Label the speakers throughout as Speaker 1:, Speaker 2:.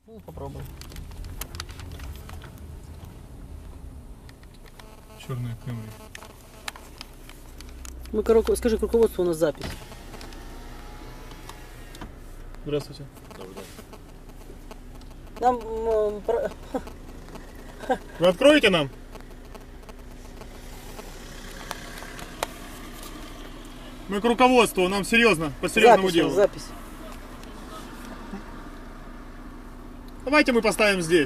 Speaker 1: Ну, попробуем.
Speaker 2: Черная Camry.
Speaker 1: Скажи, к руководству у нас запись.
Speaker 2: Здравствуйте.
Speaker 1: Нам...
Speaker 2: Вы откроете нам? Мы к руководству, нам серьезно, по серьезному
Speaker 1: запись,
Speaker 2: делу.
Speaker 1: запись.
Speaker 2: Давайте мы поставим здесь.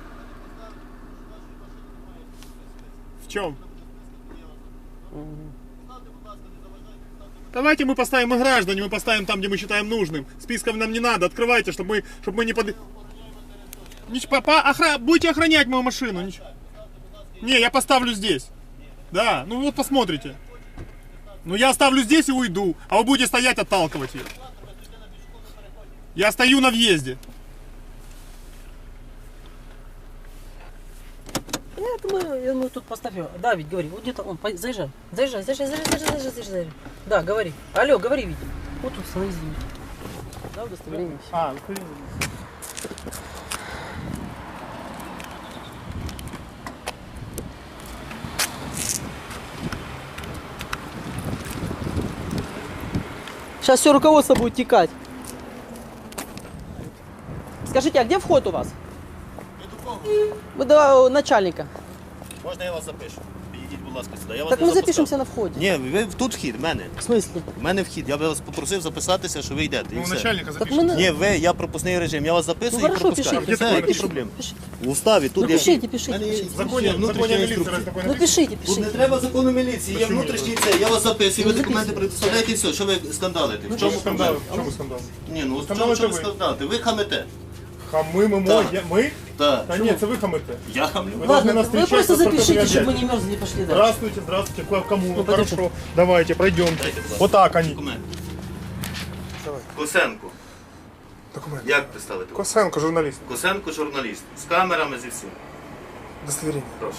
Speaker 2: В чем? Давайте мы поставим, мы граждане, мы поставим там, где мы считаем нужным. Списков нам не надо, открывайте, чтобы мы не под... Будете охранять мою машину. Не, я поставлю здесь. Да, ну вот посмотрите. Ну я оставлю здесь и уйду, а вы будете стоять, отталкивать ее. Я стою на въезде.
Speaker 1: Нет, мы тут поставим. Да, Вить, говори. Вот где-то он. Заезжай. Заезжай. Да, говори. Алло, говори, Вить. Вот тут становись, Вить. Да, удостоверение.
Speaker 2: А,
Speaker 1: Сейчас все руководство будет текать. Скажите, а где вход у вас? Мы до начальника.
Speaker 3: Можна я вас запишу? Підійдіть, будь ласка, сюди. Я вас
Speaker 1: Так
Speaker 3: не
Speaker 1: мы
Speaker 3: запускав.
Speaker 1: запишемся на входе.
Speaker 3: Ні, ви тут вхід, в мене.
Speaker 1: В смысле?
Speaker 3: В мене вхід. Я вас попросив записатися, що ви йдете. І
Speaker 2: ну
Speaker 3: все.
Speaker 2: начальника
Speaker 1: Так мы...
Speaker 2: запишите.
Speaker 3: Ні, ви, я пропускний режим. Я вас записую
Speaker 1: Ну,
Speaker 3: і
Speaker 1: хорошо,
Speaker 3: пропускаю.
Speaker 1: пишите.
Speaker 3: Все, які проблеми?
Speaker 1: Пишите.
Speaker 3: В уставі тут
Speaker 1: Ну,
Speaker 3: є...
Speaker 1: пишите, пишите,
Speaker 3: В мене є
Speaker 1: пишите.
Speaker 2: В законе
Speaker 3: внутрішня
Speaker 2: милиции
Speaker 3: інструкція.
Speaker 2: раз такое
Speaker 1: Ну
Speaker 2: написано.
Speaker 1: пишите,
Speaker 3: Тут не
Speaker 1: пишите.
Speaker 3: треба закону міліції, є
Speaker 2: Почему
Speaker 3: внутрішній
Speaker 2: не
Speaker 3: це. Я вас записую, ви
Speaker 1: Ну,
Speaker 3: документи
Speaker 1: записуйте.
Speaker 3: предоставляєте і все. Що ви скандалите?
Speaker 2: В чем скандал? В чем скандал?
Speaker 3: Ні, ну
Speaker 2: Скандал
Speaker 3: що
Speaker 2: це
Speaker 3: ви
Speaker 2: ви.
Speaker 3: скандалите? Ви хамите.
Speaker 2: Хамы мы
Speaker 3: Так.
Speaker 2: мы?
Speaker 3: Так.
Speaker 2: Да нет, это вы хамы-то.
Speaker 3: Я хамлю.
Speaker 2: Вы должны
Speaker 1: Ладно,
Speaker 2: нас
Speaker 1: вы
Speaker 2: встречать
Speaker 1: просто
Speaker 2: со
Speaker 1: запишите,
Speaker 2: спортивной
Speaker 1: чтобы мы
Speaker 2: одеждой.
Speaker 1: не мерзли, пошли дальше.
Speaker 2: Здравствуйте, здравствуйте. К кому?
Speaker 1: Ну,
Speaker 2: Хорошо.
Speaker 1: подожди.
Speaker 2: Давайте, пройдемте.
Speaker 3: Дайте, будь ласка.
Speaker 2: Вот так они.
Speaker 3: Документи.
Speaker 2: Давай.
Speaker 3: Косенко.
Speaker 2: Документы.
Speaker 3: Як представити?
Speaker 2: Косенко, журналист.
Speaker 3: Косенко журналіст. З камерами, зі всім.
Speaker 2: Удостоверение.
Speaker 3: Прошу.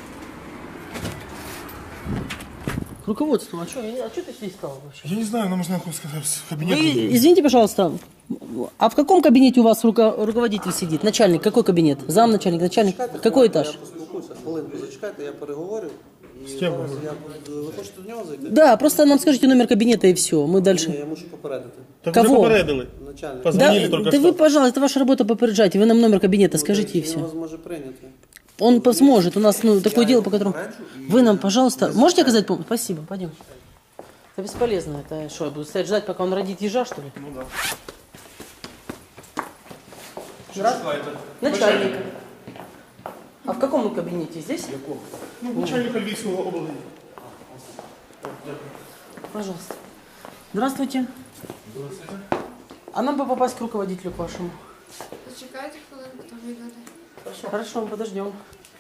Speaker 1: К руководству. А что ты здесь стал вообще?
Speaker 2: Я не знаю, нам нужно сказать в кабинет.
Speaker 1: Вы, извините, пожалуйста, а в каком кабинете у вас руководитель сидит? Начальник, какой кабинет? Замначальник, начальник? Какой этаж?
Speaker 4: Я поспілкуюся, хвилинку зачекайте, я переговорю. І
Speaker 2: ким
Speaker 4: зараз
Speaker 2: ви?
Speaker 4: ви хочете до нього зайти?
Speaker 1: Да, просто нам скажите номер кабинета и все, мы
Speaker 4: Ні,
Speaker 1: дальше.
Speaker 4: я мушу попередити.
Speaker 2: Так
Speaker 1: Кого?
Speaker 2: уже попередили.
Speaker 4: Начальник.
Speaker 2: Позвонили
Speaker 1: Да,
Speaker 2: только
Speaker 1: да
Speaker 2: что.
Speaker 1: вы, пожалуйста, это ваша работа, попереджайте, вы нам номер кабинета скажите и
Speaker 4: Він
Speaker 1: все.
Speaker 4: вас може прийняти.
Speaker 1: Он сможет, у нас такое дело, по которому... Вы нам, пожалуйста, можете оказать помощь? Спасибо, пойдем. Это бесполезно, это что, я буду стоять ждать, пока он родит ежа, что ли?
Speaker 2: Ну да.
Speaker 1: Начальника. А в каком кабинете? Здесь?
Speaker 2: Ну, начальник Альбийского области.
Speaker 1: Пожалуйста. Здравствуйте. Здравствуйте. А нам бы попасть к руководителю, к вашему.
Speaker 5: Зачекайте хвилинку, там вийдете.
Speaker 1: Хорошо, мы подождем.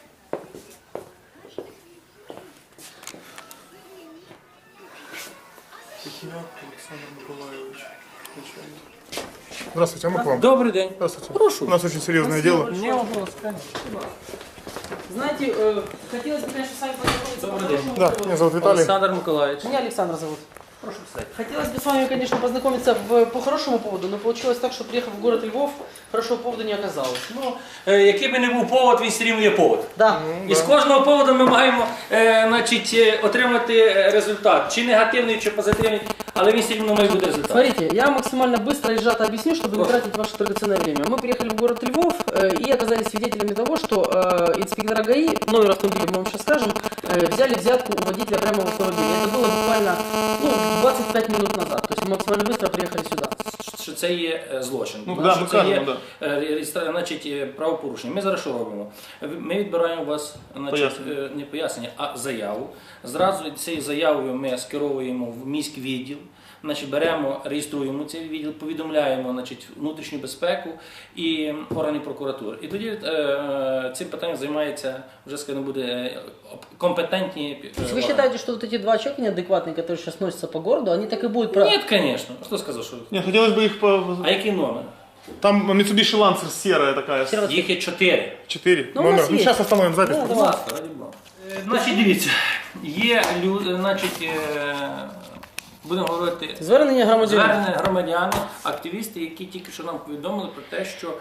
Speaker 2: Александр Николаевич. Здравствуйте, а мы к вам.
Speaker 6: Добрий день.
Speaker 2: Здравствуйте.
Speaker 1: Прошу.
Speaker 2: У нас очень серьезное дело.
Speaker 1: Не вопрос, конечно. Знаете, хотелось бы, конечно, с вами познакомиться.
Speaker 6: Добрый день.
Speaker 2: Да, меня зовут Виталий.
Speaker 6: Олександр Миколаївич.
Speaker 1: Меня Александр зовут.
Speaker 6: Прошу писати.
Speaker 1: Хотелось бы с вами, конечно, познакомиться по хорошему поводу, но получилось так, что приехав в город Львов, хорошего повода не оказалось.
Speaker 6: Ну, який би не був повод, він все рівно є повод.
Speaker 1: Да.
Speaker 6: І з кожного поводу ми маємо отримати результат. Чи негативний, чи позитивний, але він все рівно має бути результат.
Speaker 1: Смотрите, я максимально быстро и сжато объясню, чтобы не тратить ваше драгоценное время. Мы приехали в город Львов и оказались свидетелями того, что инспектора ГАИ, номер автомобиля мы вам сейчас скажем, взяли взятку у водителя прямо в автомобиле. Это было буквально 25 минут назад. То есть мы максимально быстро приехали сюда.
Speaker 6: Що це є злочин.
Speaker 2: Ну,
Speaker 6: Що
Speaker 2: да, ми
Speaker 6: це є
Speaker 2: кажемо,
Speaker 6: значить, правопорушення. Ми зараз що робимо? Ми відбираємо у вас не пояснення, а заяву. Зразу цією заявою ми скеровуємо в міський відділ. Значить, беремо, реєструємо цей відділ, повідомляємо, значить, внутрішню безпеку і органи прокуратури. І тоді цим питанням займається, вже скажімо, буде компетентні.
Speaker 1: То есть вы считаете, что вот эти два человека неадекватные, которые сейчас носятся по городу, они так и будут...
Speaker 6: Ні, звісно. Хто сказав, що?
Speaker 2: Нет, хотелось бы их по...
Speaker 6: А який номер?
Speaker 2: Там Mitsubishi Lancer серая такая.
Speaker 1: Серая.
Speaker 6: Їх є 4.
Speaker 2: 4.
Speaker 1: Ну, у
Speaker 2: Номер.
Speaker 1: нас
Speaker 2: Ну,
Speaker 1: есть.
Speaker 2: сейчас остановим запись.
Speaker 1: Да,
Speaker 6: Будь ласка, раді Бога. Значить, дивіться, є люди, значить, будемо говорити,
Speaker 1: Звернення громадян.
Speaker 6: звернення громадяни, активісти, які тільки що нам повідомили про те, що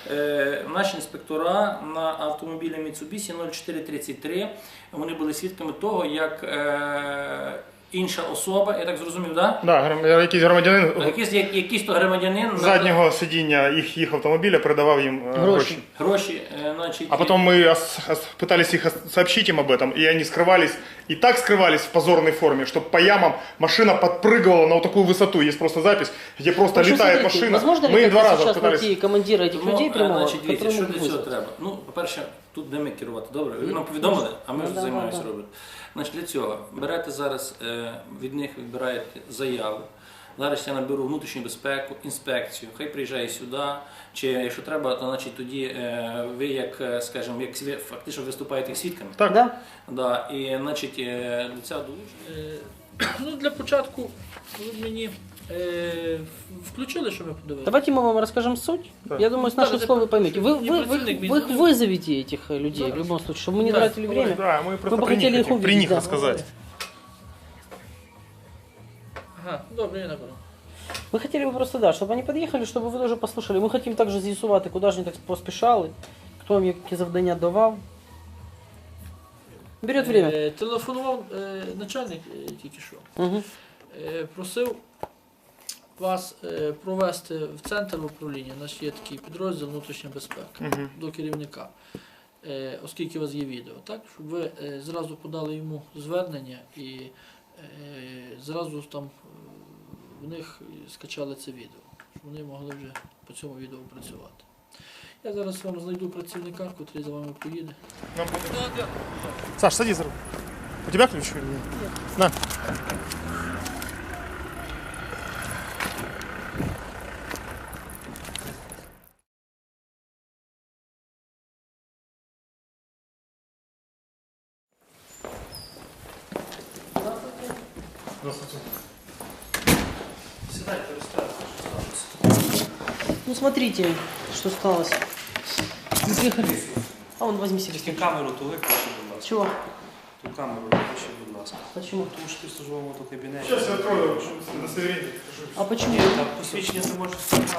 Speaker 6: Наші інспектора на автомобілі Mitsubishi 0433, вони були свідками того, як інша особа, я так зрозумів, да?
Speaker 2: Да, якийсь громадянин
Speaker 6: Якийсь то громадянин
Speaker 2: з заднього сидіння їх автомобіля передавав їм гроші.
Speaker 6: Гроші, значить...
Speaker 2: А потом мы пытались их сообщить им об этом, и они скрывались, и так скрывались в позорной форме, что по ямам машина подпрыгивала на вот такую высоту. Есть просто запись, где просто
Speaker 1: В общем,
Speaker 2: летает
Speaker 1: смотрите,
Speaker 2: машина.
Speaker 1: возможно
Speaker 2: Мы
Speaker 1: ли
Speaker 2: их два раза
Speaker 1: сейчас
Speaker 2: пытались...
Speaker 1: найти командира этих людей прямого,
Speaker 6: Значить, дивіться, що
Speaker 1: которые
Speaker 6: для
Speaker 1: могут
Speaker 6: цього
Speaker 1: вызвать?
Speaker 6: треба? Ну, по-перше, тут де ми керувати, добре? Ви нам повідомили, а ми вже займаємося робити. Значить, для цього берете зараз, від них відбираєте заяву. Зараз я наберу внутрішню безпеку, інспекцію, хай приїжджає сюди, чи якщо треба, то значить тоді ви як, скажімо, як фактично виступаєте як свідками.
Speaker 2: Так.
Speaker 1: Да?
Speaker 6: Да, і значить для цього долучення.
Speaker 7: Ну, для початку ви мені включили, що ми подивилися?
Speaker 1: Давайте мы вам расскажем суть. Я думаю, с наших слов вы поймете. Вы их вызовите, этих людей, в любом случае, чтобы мы не тратили время.
Speaker 2: Да, мы
Speaker 1: Мы
Speaker 2: просто
Speaker 1: бы
Speaker 2: при
Speaker 1: хотели
Speaker 2: них,
Speaker 1: их
Speaker 2: при них
Speaker 1: увидеть. Да.
Speaker 2: рассказать.
Speaker 7: Ага, добре, я наберу.
Speaker 1: Мы хотели бы просто, да, чтобы они подъехали, чтобы вы тоже послушали. Мы хотим также з'ясувати, куди ж вони так поспішали, хто вам які завдання давав. Берет время.
Speaker 7: Телефонував начальник тільки що.
Speaker 1: Угу.
Speaker 7: Просив вас провести в центр управління, наш є такий підрозділ внутрішня безпека, до керівника, оскільки у вас є відео, так? Щоб ви зразу подали йому звернення і зразу там в них скачали це відео, щоб вони могли вже по цьому відео працювати. Я зараз вам знайду працівника, який за вами поїде.
Speaker 2: Саш, садись за руль. У тебя ключ или нет? Нет. На. Здравствуйте.
Speaker 1: Ну смотрите, что сталось. Мы приехали. А вон возьми себе.
Speaker 8: Тільки камеру то виключи, будь ласка.
Speaker 1: Чего?
Speaker 8: Ту камеру виключи, будь ласка.
Speaker 1: Почему?
Speaker 8: Тому що ти в службовому то кабінеті.
Speaker 2: Сейчас я открою удостоверение.
Speaker 1: А почему?
Speaker 8: Там посвідчення ти можеш знімати.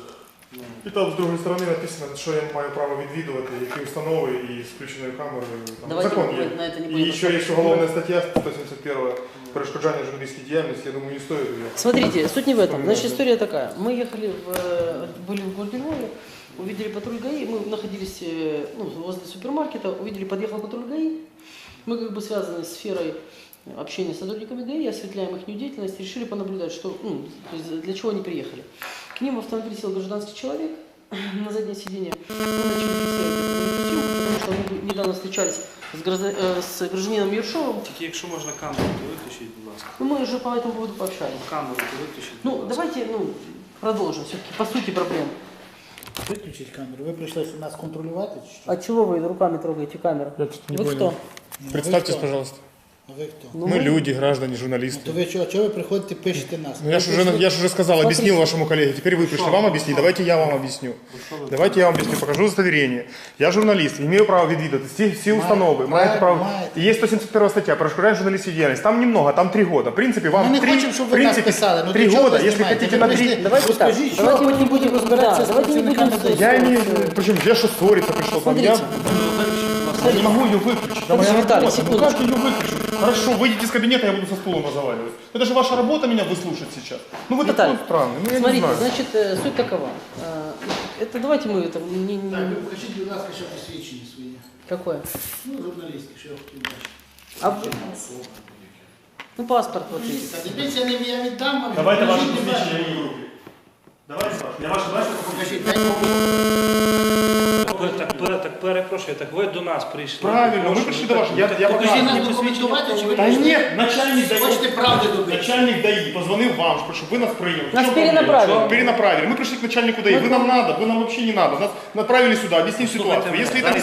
Speaker 2: І там з другої сторони написано, що я маю право відвідувати, які установи і з включеною камерою. Там
Speaker 1: Давайте
Speaker 2: закон
Speaker 1: мы
Speaker 2: є.
Speaker 1: на это не
Speaker 2: І
Speaker 1: будем.
Speaker 2: ще є уголовна стаття 171 перешкоджання журналістській діяльності, я думаю, не стоїть ее.
Speaker 1: Смотрите, суть не в этом. Значит, история такая. Мы ехали, были в городе Львове, увидели патруль ГАИ, мы находились возле супермаркета, увидели, подъехал патруль ГАИ. Мы как бы связаны с сферой общения с сотрудниками ГАИ, осветляем их деятельность, решили понаблюдать, что, то есть для чего они приехали. К ним в автомобиль сел гражданский человек на заднее сиденье. Мы начали преследовать, потому что мы недавно встречались с гражданином Ершовым.
Speaker 8: Тільки якщо можна камеру, то виключіть, будь ласка.
Speaker 1: Ну, мы уже по этому поводу пообщались.
Speaker 8: Камеру то виключіть,
Speaker 1: Ну,
Speaker 8: будь ласка.
Speaker 1: давайте продолжим все-таки по сути проблем.
Speaker 9: Виключіть камеру. Ви прийшли нас контролювати чи що?
Speaker 1: А чего вы руками трогаете камеру?
Speaker 2: Я что-то не
Speaker 1: Вы
Speaker 2: понял.
Speaker 1: кто?
Speaker 2: Представьтесь,
Speaker 9: Ви хто?
Speaker 2: пожалуйста.
Speaker 9: А ви хто?
Speaker 1: Ну,
Speaker 2: Мы люди, граждане, журналисты.
Speaker 9: То ви чого ви приходите, пишете нас?
Speaker 2: Ну, я же уже сказал, объяснил вашему коллеге. Теперь вы пришли вам объяснить. Давайте я вам объясню. Давайте я вам объясню. Покажу удостоверение. Я журналист, имею право відвідати всі установи. Маєте право.
Speaker 9: маєте.
Speaker 2: И есть 171 статья, перешкоджание журналистской деятельности. Там немного, там 3 года. В принципе, вам
Speaker 9: Ми не
Speaker 2: 3,
Speaker 9: хочемо, щоб
Speaker 2: в
Speaker 9: ви нас
Speaker 2: принципе,
Speaker 9: писали. Ну,
Speaker 2: 3
Speaker 9: для чого
Speaker 2: года,
Speaker 9: ви
Speaker 2: если
Speaker 9: знімаєте?
Speaker 2: хотите
Speaker 9: Ви
Speaker 2: на
Speaker 9: прийшли,
Speaker 2: 3...
Speaker 1: Давайте так,
Speaker 9: розкажіть, що
Speaker 1: давайте
Speaker 9: потім
Speaker 1: не будем
Speaker 9: розбиратися з
Speaker 1: давайте не будем
Speaker 9: працівниками ДАІ.
Speaker 2: Я не... Причем, я что, ссориться пришел? Там, я не могу ее выключить. Да моя
Speaker 1: Виталий,
Speaker 2: работа. Ну
Speaker 1: секундочку.
Speaker 2: как ее выключить? Хорошо, выйдите из кабинета, я буду со стулом разговаривать. Это же ваша работа меня выслушать сейчас. Ну вы
Speaker 1: Виталий,
Speaker 2: такой странный, ну я не
Speaker 1: Смотрите,
Speaker 2: знаю.
Speaker 1: значит, суть такова. Это давайте мы это не...
Speaker 9: Покажіть, будь ласка, що посвідчення свої.
Speaker 1: Какое?
Speaker 9: Ну, журналістки, що я хотів бачити.
Speaker 1: А... Ну, паспорт вот есть.
Speaker 9: Та дивіться, я віддам вам.
Speaker 2: Давайте ваши
Speaker 9: Покажіть, будь ласка.
Speaker 2: посвящения в руки. Давайте ваше. Я ваше дальше
Speaker 9: Покажіть, дайте
Speaker 8: Так перепрошую, так ви до нас прийшли.
Speaker 2: Правильно, ви прийшли до вас. Я
Speaker 9: Покажіть
Speaker 2: показую.
Speaker 9: нам документувати, чи ви
Speaker 2: Та
Speaker 9: прийшли?
Speaker 2: ні, начальник ДАИ.
Speaker 9: Хочете правди добитися?
Speaker 2: Начальник ДАИ позвонил вам, чтобы вы нас приняли. В
Speaker 1: Нас
Speaker 2: чем
Speaker 1: перенаправили.
Speaker 2: проблема? Перенаправили. Мы пришли к начальнику ДАИ. Вы нам надо, вы нам вообще не надо. Нас направили сюда, объяснить ситуацию. Если это не...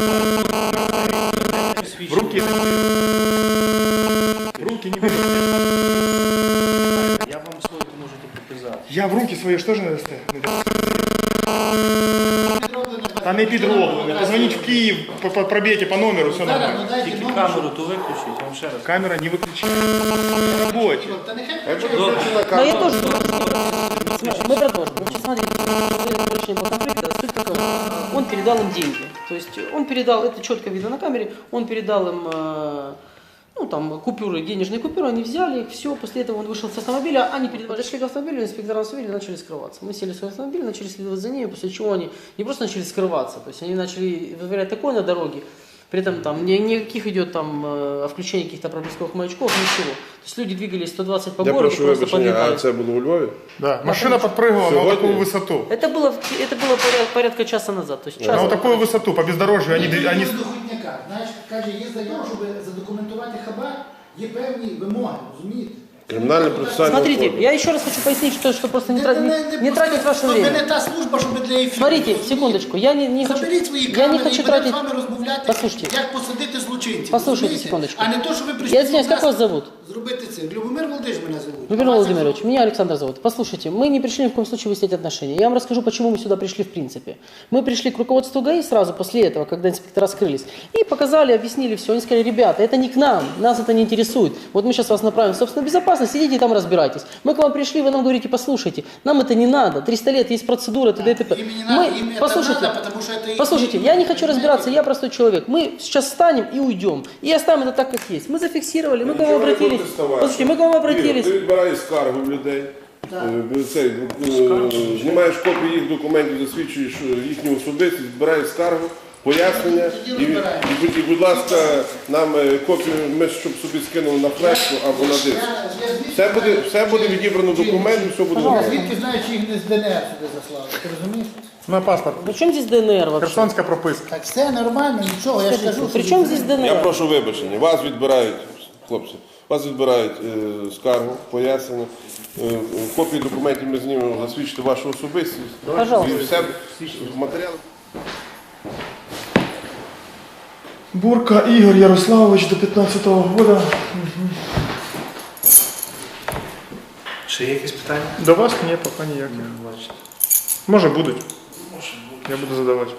Speaker 2: В руки... В руки не берите.
Speaker 8: Я вам свою можете показати.
Speaker 2: Я в руки свои что же надо ставить? Та не підроблено. Позвонить в Киев, пробейте по номеру, все
Speaker 9: Зараз,
Speaker 2: нормально.
Speaker 9: ну дайте
Speaker 8: Тільки
Speaker 9: номер.
Speaker 8: камеру то виключіть, я вам ще раз.
Speaker 2: Камера не выключена. Работе.
Speaker 9: Та нехай включають.
Speaker 1: Но я тоже... Мы продолжим. Значит, смотрите, точнее, по конфликту, суть такова. дал им деньги. То есть он передал, это четко видно на камере, он передал им ну, там, купюры, денежные купюры, они взяли их, все, после этого он вышел с автомобиля, они подошли к автомобилю, инспектора автомобиля начали скрываться. Мы сели в свой автомобиль, начали следовать за ними, после чего они не просто начали скрываться, то есть они начали вытворять такое на дороге, при этом там никаких идет там включения каких-то проблесковых маячков, ничего. То есть люди двигались 120 по городу, просто подлетали.
Speaker 10: А це було у Львові?
Speaker 2: Да, машина подпрыгивала на вот такую высоту.
Speaker 1: Это было порядка часа назад. То есть
Speaker 2: На вот такую высоту, по бездорожью. Они...
Speaker 9: Знаєш, каже, є заява, щоб задокументувати хабар, є певні вимоги, розумієте?
Speaker 10: Кримінальне процесуальне
Speaker 1: Смотрите,
Speaker 10: кодекс.
Speaker 1: я еще раз хочу пояснить, что просто не тратить ваше время.
Speaker 9: Не та служба, щоб для ефіру.
Speaker 1: Смотрите, секундочку, я не хочу,
Speaker 9: Заберіть свої
Speaker 1: я не
Speaker 9: камери
Speaker 1: хочу
Speaker 9: і будемо
Speaker 1: тратить...
Speaker 9: з вами розмовляти,
Speaker 1: Послушайте.
Speaker 9: як посадити злочинців.
Speaker 1: Послушайте,
Speaker 9: розумієте?
Speaker 1: секундочку.
Speaker 9: А не то, що ви прийшли
Speaker 1: Я извиняюсь, как вас зовут?
Speaker 9: зробити це. Любомир Володимирович мене зовут.
Speaker 1: Любомир Владимирович, меня Александр зовут. Послушайте, мы не пришли ни в коем случае выяснять отношения. Я вам расскажу, почему мы сюда пришли в принципе. Мы пришли к руководству ГАИ сразу после этого, когда инспектора скрылись, и показали, объяснили все. Они сказали, ребята, это не к нам, нас это не интересует. Вот мы сейчас вас направим в собственную безопасность, идите и там разбирайтесь. Мы к вам пришли, вы нам говорите, послушайте, нам это не надо, 300 лет, есть процедура, т.д. и т.п. Послушайте, я не хочу разбираться, я простой человек. Мы сейчас встанем и уйдем, и оставим это так, как есть. Мы зафиксировали, мы к вам обратились. Послушайте, мы к вам обратились.
Speaker 10: Ти відбираєш скаргу в людей, знімаєш копії їх документів, засвідчуєш їхню особистість, відбираєш скаргу, пояснення і, будь ласка, нам копію, ми щоб собі скинули на флешку або на диск. Все буде відібрано документи, все буде добре.
Speaker 9: Звідки знаєш, їх не з ДНР сюди заслали, ти розумієш?
Speaker 2: На паспорт.
Speaker 1: При чем здесь ДНР вообще?
Speaker 2: Херсонська прописка.
Speaker 9: Так все нормально, нічого, я ж кажу.
Speaker 1: При чем здесь
Speaker 10: Я
Speaker 1: ДНР?
Speaker 10: прошу вибачення, вас відбирають, хлопці, вас відбирають скаргу, пояснення, копії документів ми знімемо, засвідчити вашу особистість.
Speaker 1: Пожалуйста.
Speaker 10: І все матеріали.
Speaker 2: Бурка Ігор Ярославович до 15-го года.
Speaker 8: Ще є якісь питання?
Speaker 2: До вас ні, поки ніяких.
Speaker 8: Бачите.
Speaker 2: Може будуть. Я буду задавати.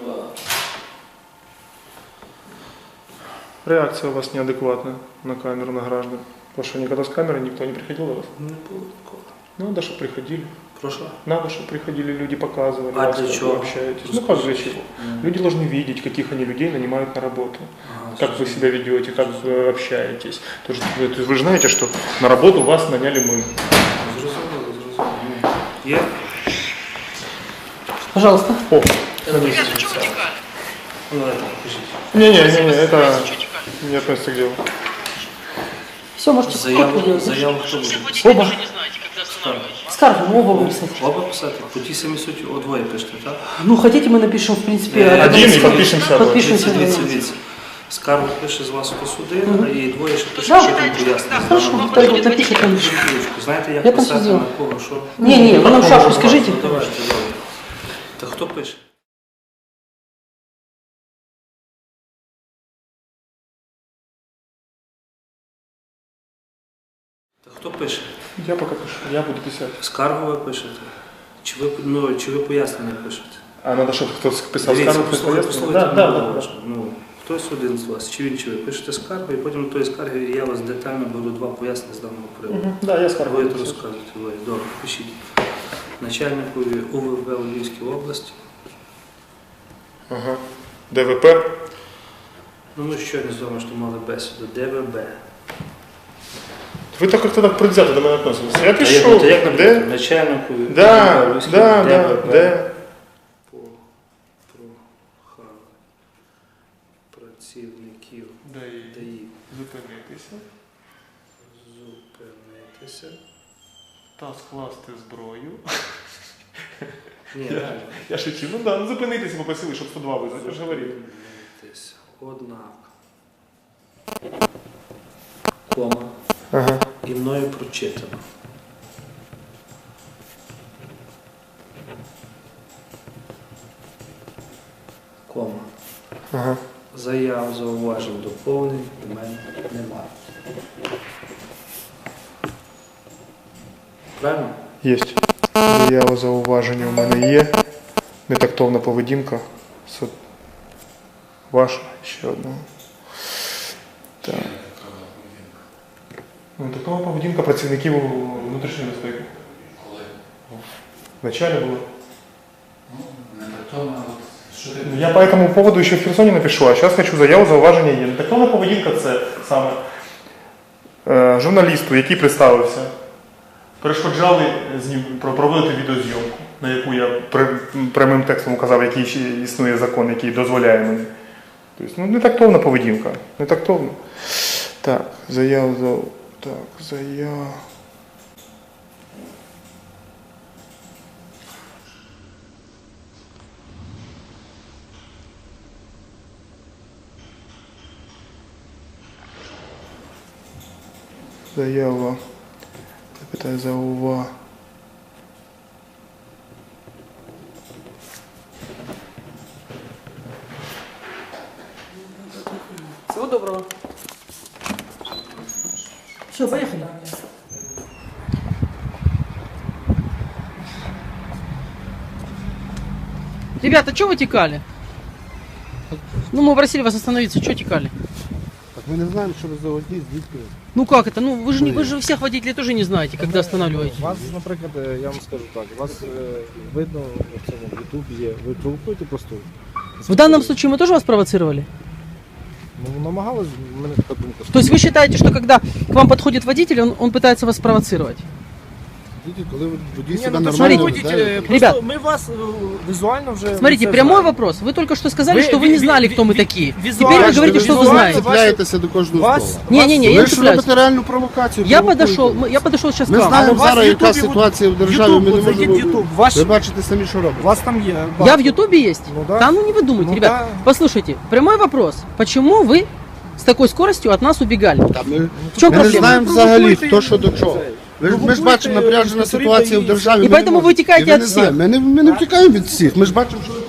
Speaker 2: Реакция у вас неадекватная на камеру, на граждан. Потому что никогда с камерой никто не приходил до вас.
Speaker 8: Не було такого.
Speaker 2: Надо, чтобы приходили.
Speaker 8: Прошу.
Speaker 2: Надо, чтобы приходили люди, показывали,
Speaker 8: А
Speaker 2: вас,
Speaker 8: для
Speaker 2: как
Speaker 8: чего?
Speaker 2: вы общаетесь. Ну как для чего? Люди должны видеть, каких они людей нанимают на работу. Как вы себя ведете, как вы общаетесь. То есть вы же знаете, что на работу вас наняли мы.
Speaker 8: Зрозуміло. Є?
Speaker 1: Пожалуйста.
Speaker 2: О,
Speaker 8: Ну, давайте, покажіть.
Speaker 2: не, это не относится к делу.
Speaker 1: Все, можете
Speaker 8: Заяву хто буде?
Speaker 1: Оба. Скаргу, оба выписать.
Speaker 8: Оба писати? По тій самій суті двоє пишете, так?
Speaker 1: Ну, хотите, мы напишем, в принципе,
Speaker 2: Один и подпишемся.
Speaker 1: Подпишемся.
Speaker 8: Дивіться. Скаргу пише з вас, хто судив, а і двоє ще пише,
Speaker 1: Да.
Speaker 8: що там пояснення.
Speaker 1: Хорошо, второй напишите.
Speaker 8: Знаєте, як
Speaker 1: Я там все
Speaker 8: писати
Speaker 1: сделаю.
Speaker 8: на кого, що?
Speaker 1: Не, вы нам шапку скажите.
Speaker 8: Ну, давайте, добре. Та хто пише? Та хто пише?
Speaker 2: Я пока пишу, я буду писать.
Speaker 8: Скаргу ви пишете? Чи ви пояснення пишете?
Speaker 2: А надо, чтобы кто-то писал
Speaker 8: Дивіться,
Speaker 2: скаргу.
Speaker 8: послухайте
Speaker 2: Да.
Speaker 8: мене уважно. Ну, хтось один з вас, чи він, чи ви пишете скаргу, і потім до тої скарги я вас детально беру два пояснення з даного приводу.
Speaker 2: Да, я скаргу.
Speaker 8: Ви це розказуєте. Ви. Добре, пишіть. Начальникові УВВ у Львівській області.
Speaker 2: Ага. ДВП.
Speaker 8: Ну, ми щойно з вами, що мали бесіду. ДВБ.
Speaker 2: Вы так как-то так предвзято до меня относитесь. Я
Speaker 8: А
Speaker 2: пишу.
Speaker 8: як наприклад,
Speaker 2: Д.
Speaker 8: начальникові
Speaker 2: Да,
Speaker 8: УВВ у Львівській
Speaker 2: да,
Speaker 8: ДВБ.
Speaker 2: Д.
Speaker 8: Прохали працівників ДАІ
Speaker 2: Зупинитися
Speaker 8: зупинитися.
Speaker 2: та скласти зброю.
Speaker 8: Ні, реально.
Speaker 2: Я шучу. Ну да, ну зупинитися попросили, щоб 102 визвати. Я ж говорив.
Speaker 8: Зупинитися. Однак. Кома.
Speaker 2: Ага.
Speaker 8: І мною прочитано. Кома.
Speaker 2: Ага.
Speaker 8: Заяв, зауважень, доповнень у мене немає. Правильно?
Speaker 2: Єсть. Заява зауваження у мене є. Нетактовна поведінка. Ваша ще одна. Так. Нетактовна поведінка працівників внутрішньої безпеки.
Speaker 11: Коли?
Speaker 2: Вначалі було.
Speaker 11: Ну, не так,
Speaker 2: Я по этому поводу еще в Херсоне напишу, а сейчас хочу заяву, зауваження є. Нетактовна поведінка це саме журналісту, який представився, перешкоджали проводити відеозйомку, на яку я прямим текстом указав, який ще існує закон, який дозволяє мені. Тобто, ну, нетактовна поведінка, нетактовна. Так, заява. Заява. Питаю заува.
Speaker 1: Всего доброго. Все, поехали. Ребята, что вы текали? Ну, мы просили вас остановиться, что текали?
Speaker 9: Так ми не знаємо, що ви за водій, звідки.
Speaker 1: Ну как это? Ну вы же всех водителей тоже не знаете, когда останавливаете.
Speaker 11: Вас, наприклад, я вам скажу так, вас видно в цьому в Ютубі є, ви провокуєте просто.
Speaker 1: В данном случае мы тоже вас провоцировали?
Speaker 11: Ну, намагалась, в мене така думка.
Speaker 1: То есть вы считаете, что когда к вам подходит водитель, он пытается вас провоцировать?
Speaker 9: Коли водій
Speaker 11: Ні,
Speaker 9: себе
Speaker 11: ну, то
Speaker 9: нормально
Speaker 11: що
Speaker 9: веде.
Speaker 11: просто
Speaker 1: Ребят.
Speaker 11: ми вас візуально вже...
Speaker 1: Смотрите,
Speaker 11: це
Speaker 1: прямой
Speaker 11: знаємо.
Speaker 1: вопрос. Вы только что сказали,
Speaker 11: Вы-
Speaker 1: что вы не
Speaker 11: ви-
Speaker 1: знали,
Speaker 11: ви-
Speaker 1: кто мы
Speaker 11: ви-
Speaker 1: такие.
Speaker 11: визуально-
Speaker 1: Теперь вы говорите,
Speaker 11: ви
Speaker 1: что вы
Speaker 11: визуально
Speaker 1: знаете.
Speaker 9: Цепляєтеся до кожного
Speaker 11: Вас-
Speaker 9: слова.
Speaker 1: Не-не-не, я
Speaker 9: Ви
Speaker 1: не
Speaker 9: ж
Speaker 1: цепляюсь.
Speaker 9: робите реальну провокацію.
Speaker 1: Я
Speaker 9: провокуєте.
Speaker 1: подошел сейчас к
Speaker 9: Ми
Speaker 1: вам.
Speaker 9: знаємо
Speaker 11: вас
Speaker 9: зараз,
Speaker 11: в
Speaker 9: яка
Speaker 11: Ютубі,
Speaker 9: ситуація в державі,
Speaker 11: Ютуб,
Speaker 9: ми не
Speaker 11: от зайдіть в
Speaker 9: можемо...
Speaker 11: Ютуб, ваш-
Speaker 9: Ви бачите самі, що робите.
Speaker 11: У вас там є...
Speaker 1: Я в Ютубе есть?
Speaker 11: Ну да.
Speaker 1: Ну не вы думайте,
Speaker 11: Ну
Speaker 1: ребят.
Speaker 11: да.
Speaker 1: Послушайте, прямой вопрос. Почему вы с такой скоростью от нас убегали?
Speaker 9: Та ми,
Speaker 1: В чем
Speaker 9: ми не
Speaker 1: проблема?
Speaker 9: знаємо взагалі, хто що до чого. Ми ж бачимо напряжена ситуація в державі.
Speaker 1: І
Speaker 9: ми не
Speaker 1: поэтому ви
Speaker 9: можемо.
Speaker 1: тікаєте
Speaker 9: І ви
Speaker 1: від
Speaker 9: не
Speaker 1: всіх.
Speaker 9: знаєте. Ми не втікаємо від всіх. Ми ж бачимо, що ви